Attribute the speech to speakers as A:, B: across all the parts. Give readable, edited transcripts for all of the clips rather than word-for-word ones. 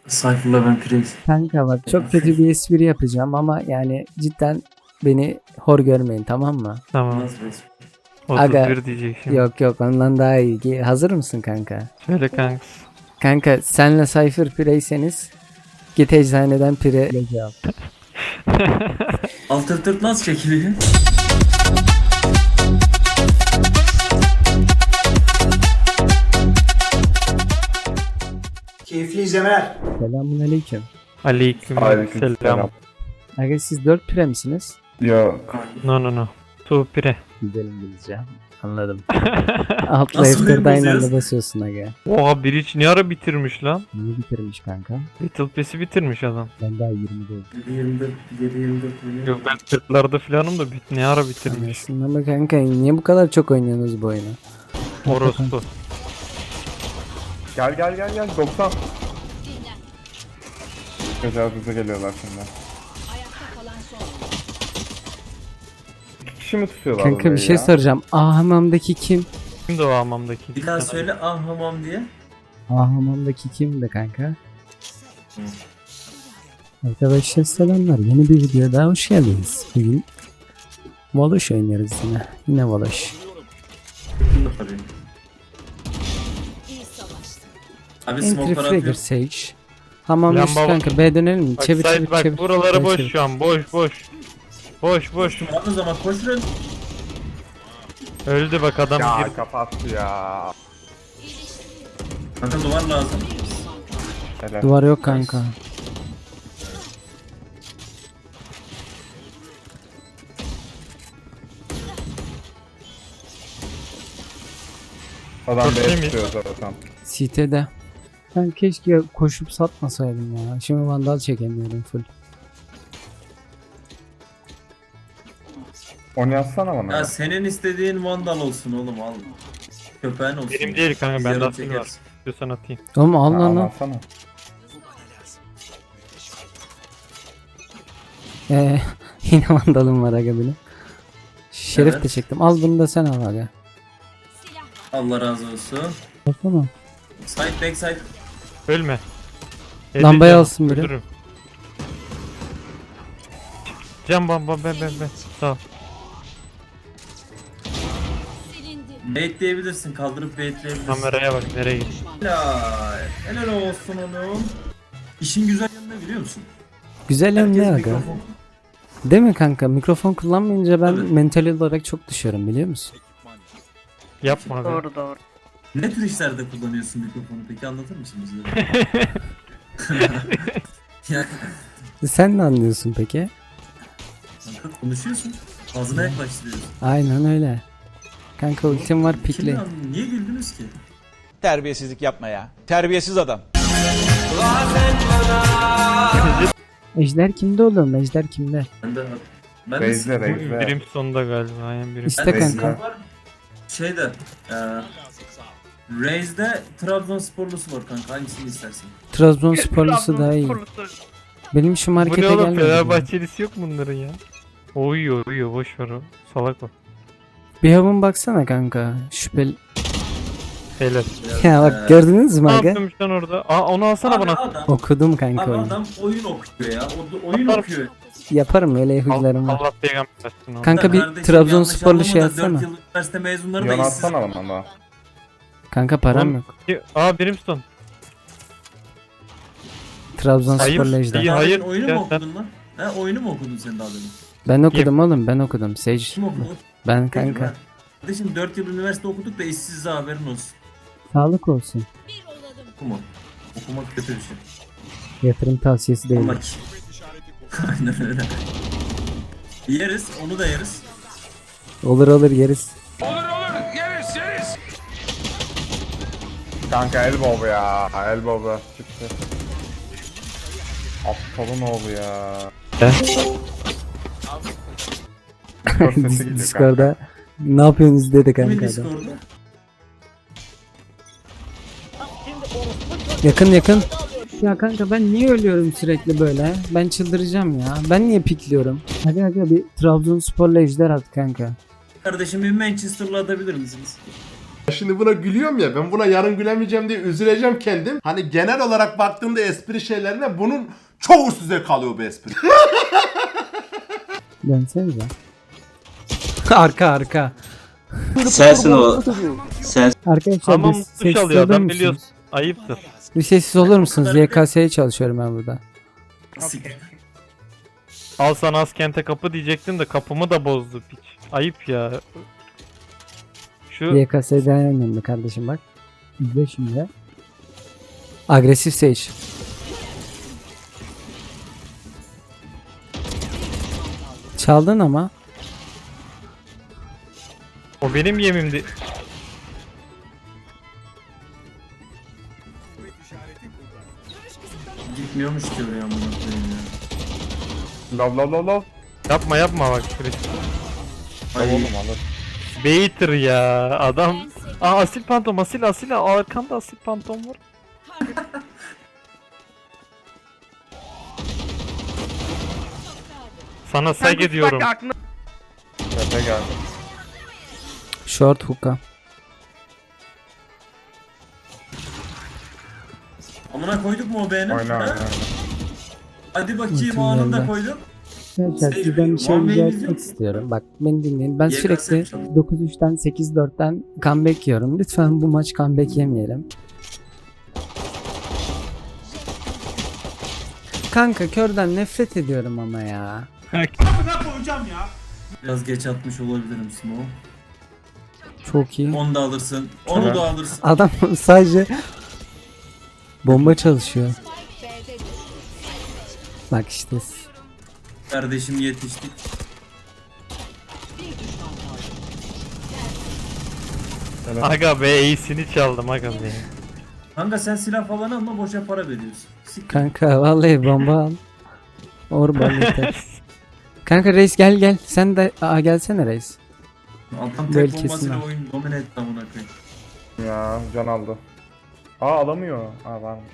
A: Cypher'la ben Priest.
B: Kanka bak çok kötü bir espri yapacağım ama yani cidden beni hor görmeyin, tamam mı?
C: Tamam.
A: Nasıl resmi?
C: 31
B: Aga,
C: diyecek şimdi.
B: Yok ondan daha iyi. Hazır mısın kanka?
C: Söyle kanks.
B: Kanka senle Cypher Pire'yseniz git eczaneden pire ile al.
A: Altı tırt nasıl çekiliyor?
D: Keyifli izlemeler.
B: Selamun aleyküm.
C: Aleykümselam.
B: Aga siz 4 pire misiniz?
E: Yo,
C: No. Tu pire.
B: Güzel İngilizce. Anladım. Altla
A: Nasıl
B: F4'de aynı
A: basıyoruz?
B: anda basıyorsun aga.
C: Oha bir hiç ne ara bitirmiş lan?
B: Niye bitirmiş kanka?
C: Battle Pass'i bitirmiş adam.
B: Ben daha 20 değil.
A: 7-24 milyon.
C: Yok ben 40'larda falanım da ne ara bitirmiş.
B: Anlasın ama kanka niye bu kadar çok oynuyorsunuz bu oyunu?
C: Orospu.
E: gel 90. Tecavüze geliyorlar şimdi. İki kişi mi tutuyorlar
B: Kanka bir
E: orayı
B: şey
E: ya?
B: soracağım. Hamamdaki kim?
C: Kimdi o hamamdaki?
A: Bir daha söyle ah hamam diye.
B: Hamamdaki kimdi kanka? Arkadaşlar selamlar. Yeni bir videoya daha hoş geldiniz. Bugün Valoş oynuyoruz yine. Yine Valoş.
A: Tabii. Abi
B: Entry
A: smoke'lar
B: Fragger
A: atıyor.
B: Sage. Hamam
C: Lamba
B: üstü
C: var.
B: kanka. B dönelim mi?
C: Bak,
B: Çevir
C: site
B: çevir
C: bak
B: çevir.
C: buraları
B: Çevir,
C: boş
B: çevir.
C: şu an boş. Boş.
A: Var o zaman koşun.
C: Öldü bak adam
E: Ya
C: girdi.
E: kapattı ya.
A: Kanka duvar lazım.
E: Helal.
B: Duvar yok kanka.
E: Adam
C: Çok
E: B
C: temiz.
E: tutuyor zaten.
B: CT'de. Ben keşke koşup satmasaydım ya. Şimdi vandal çekemiyorum full.
E: Onu yazsana bana.
A: Ya senin istediğin vandal olsun oğlum al. Köpeğin olsun.
C: Benim değil kanka
A: Biz
C: bende
A: yarın
C: asil var.
A: çekeriz.
C: İstiyorsan atayım.
B: Oğlum al lan al.
E: Alsana.
B: Yine vandalım var aga benim. Şerif
A: Evet.
B: de çektim. Al bunu da sen al aga.
A: Allah razı olsun.
B: Baksana.
A: Side back side.
C: Ölme.
B: Lambayı
C: Canım,
B: alsın biri.
C: öldürürüm. Can ben. Sağ ol.
A: Bait diyebilirsin. Kaldırıp baitleyebilirsin.
C: Kameraya bak nereye gitti.
A: Helal. Helal olsun oğlum. İşin güzel yanı ne biliyor musun?
B: Güzel yanı ne
A: Herkes
B: aga?
A: mikrofon.
B: Değil mi kanka? Mikrofon kullanmayınca ben
A: Evet.
B: mental olarak çok düşüyorum biliyor musun?
C: Yapma abi.
F: Doğru.
A: Ne tür işlerde kullanıyorsun mikrofonu peki anlatır mısın bize? Yani
B: Sen ne anlıyorsun peki?
A: kanka konuşuyorsun. Ağzına yaklaştırıyorsun.
B: Aynen öyle. Kanka ultim var pikli.
A: Kim anlıyor? Niye güldünüz ki?
D: Terbiyesizlik yapma ya. Terbiyesiz adam.
B: Ejder kimde oğlum? Ejder kimde?
A: Ben de
E: Reis'le Reis'le.
C: Birim sonunda galiba. Aynen birim.
B: İşte
A: ben de
B: kanka.
A: sıkıntı var. Şeyde Raze'de Trabzonsporlusu var kanka hangisini istersin?
B: Trabzonsporlusu daha iyi. Benim şu
C: Bu
B: markete
C: ne oğlum
B: gelmedi. ya.
C: Fenerbahçelisi yok bunların ya. Uyuyor boş ver o. Salak o.
B: Bir havun baksana kanka. Şüpheli.
C: Helal.
B: Ya bak gördünüz mü
C: Ne
B: aga?
C: yapıyormuş lan orada? Aa onu alsana
A: Abi
C: bana.
A: adam,
B: Okudum kanka
A: abi
B: oyunu.
A: adam oyun okuyor ya. Oyun
C: Atar-
A: okuyor.
B: Yaparım öyle huylarım var.
C: Allah peygamber versin onu.
B: Kanka bir
A: Kardeşim,
B: Trabzonsporlu şey
A: yanlış anlama da
B: atsana.
A: 4 yıl üniversite mezunları da
E: Yon
A: işsiz.
E: atsana bana da.
B: Kanka param
C: Oğlum,
B: yok.
C: Aa Brimstone.
B: Trabzonsporlu
C: Hayır,
B: Ejder.
C: iyi.
A: Daha
C: hayır,
A: demin oyunu
C: ya
A: mu
C: sen-
A: okudun lan? He oyunu mu okudun sen daha demin?
B: Ben okudum oğlum ben okudum. Sage.
A: Kim okudu?
B: Ben
A: Peki,
B: kanka.
A: ben- Kardeşim 4 yıl üniversite okuduk da işsiz haberin olsun.
B: Sağlık olsun.
A: Okuma. Okumak kötü bir şey.
B: Yatırım tavsiyesi değil.
A: Allah ki. Aynen öyle. Yeriz, onu da yeriz.
B: Olur yeriz.
E: Kanka elbow ya. Elbow çıktı. Aptalın oğlu ya. Discord sesi geliyor kanka.
B: Discord'da ne yapıyorsunuz dedi
A: Kimin
B: kanka adam.
A: Discord'u?
B: Yakın. Ya kanka ben niye ölüyorum sürekli böyle? Ben çıldıracağım ya. Ben niye pikliyorum? Hadi bir Trabzonsporlu Ejder at kanka.
A: Kardeşim bir Manchester'la atabilir misiniz?
F: Şimdi buna gülüyorum ya, ben buna yarın gülemeyeceğim diye üzüleceğim kendim. Hani genel olarak baktığımda espri şeylerine bunun çoğu size kalıyor bu espri.
B: Dönsenize. Arka arka.
A: Sensin o. Sen.
B: Arkadaşlar
C: Tamam
B: bir
C: duş
B: sessiz
C: alıyor
B: olur
C: adam
B: musunuz?
C: biliyorsun. Ayıptır.
B: Bir sessiz olur musunuz? YKS'ye çalışıyorum ben burada.
C: Al sana Askent'e kapı diyecektim de kapımı da bozdu piç. Ayıp ya. Şu
B: YKS'de en önemli kardeşim bak. İzle şimdi. Agresif Sage. Çaldın ama.
C: o benim yemimdi.
A: Gitmiyormuş ki oraya amına koyayım ya.
E: Love love love love.
C: Yapma yapma bak. Chris.
E: Love oğlum alır.
C: Baiter ya adam. Aa asil pantom asil arkanda asil pantom var. Sana saygı diyorum.
E: Tepe geldi.
B: Short hook'a.
A: Amına koyduk mu o beğeni?
E: Oyna oyna.
A: Hadi bakayım
B: Ultim
A: o anında
B: geldi.
A: koydum.
B: Arkadaşlar sizden bir şey
A: One
B: rica
A: way
B: etmek
A: bizim-
B: istiyorum. Bak beni dinleyin. Ben
A: YKS
B: sürekli
A: çok-
B: 9-3'ten 8-4'ten comeback yiyorum. Lütfen bu maç comeback yemeyelim. Kanka körden nefret ediyorum ama ya.
A: Biraz geç atmış olabilirim Smo.
B: Çok iyi.
A: Onu da alırsın. Onu da alırsın.
B: Adam sadece bomba çalışıyor. Bak işte.
A: Kardeşim yetiştik.
C: Aga be iyisini çaldım aga be.
A: Kanka sen silah falan alma boşa para veriyorsun. Siktir.
B: Kanka vallahi bomba al. Orban yeter. Kanka reis gel. Sen de gelsene reis.
A: Adam
B: Böyle
A: tek
B: kesin
A: bombasıyla
B: ha.
A: oyun domine etti amına koyayım.
E: Ya can aldı. Aa alamıyor. Aa varmış.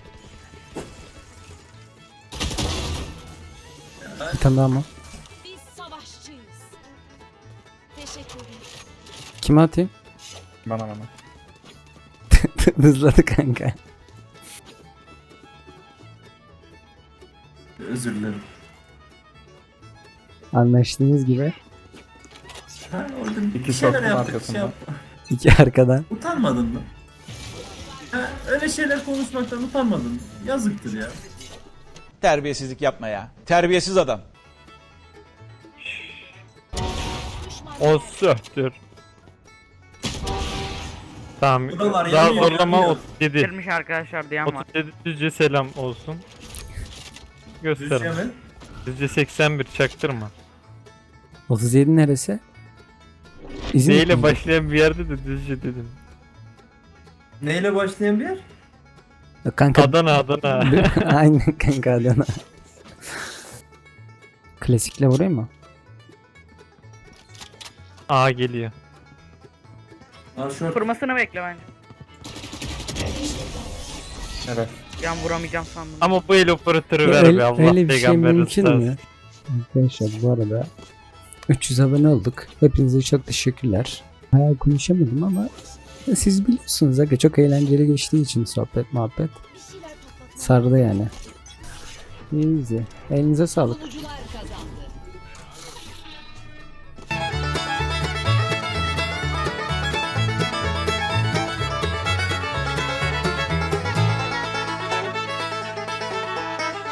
B: Bir tane daha mı?
G: Biz savaşçıyız. Teşekkür ederim.
B: Kime atayım?
E: Bana.
B: Hızladı kanka.
A: Özür dilerim.
B: Anlaştığımız gibi.
A: Ha, orada bir
E: İki
A: şeyler
E: soktum
A: yaptık.
E: arkasında.
A: Şey yapma.
B: İki arkadan.
A: Utanmadın mı? Ha, öyle şeyler konuşmaktan utanmadın mı? Yazıktır ya.
D: Terbiyesizlik yapma ya. Terbiyesiz adam.
C: O söktür. Tamam.
A: Buralar
C: Daha
A: yanıyor,
C: zorlama
A: yanıyor.
C: 37.
H: Girmiş arkadaşlar diyen var.
C: 37 düzce selam olsun. Göster.
A: Düzce mi?
C: Düzce 81 çaktırma.
B: 37 neresi?
C: D ile
B: İzmir mi?
C: başlayan bir yerde de düzce dedim.
A: Neyle başlayan bir yer?
B: Yok kanka.
C: Adana.
B: Aynen kanka Adana. Klasikle vurayım mı?
C: A geliyor.
A: Al şort.
H: Kurmasını bekle bence.
E: Evet.
H: Yan vuramayacağım sandım.
C: Ama bu el operatörü ver
B: Öyle,
C: be Allah
B: öyle bir şey
C: peygamber
B: mümkün
C: rızası.
B: mü? Arkadaşlar bu arada 300 abone olduk. Hepinize çok teşekkürler. Bayağı konuşamadım ama siz biliyorsunuz aga çok eğlenceli geçtiği için sohbet muhabbet.
G: Bir şeyler patlatalım.
B: Sardı yani. Easy. Elinize sağlık.
G: Bulucu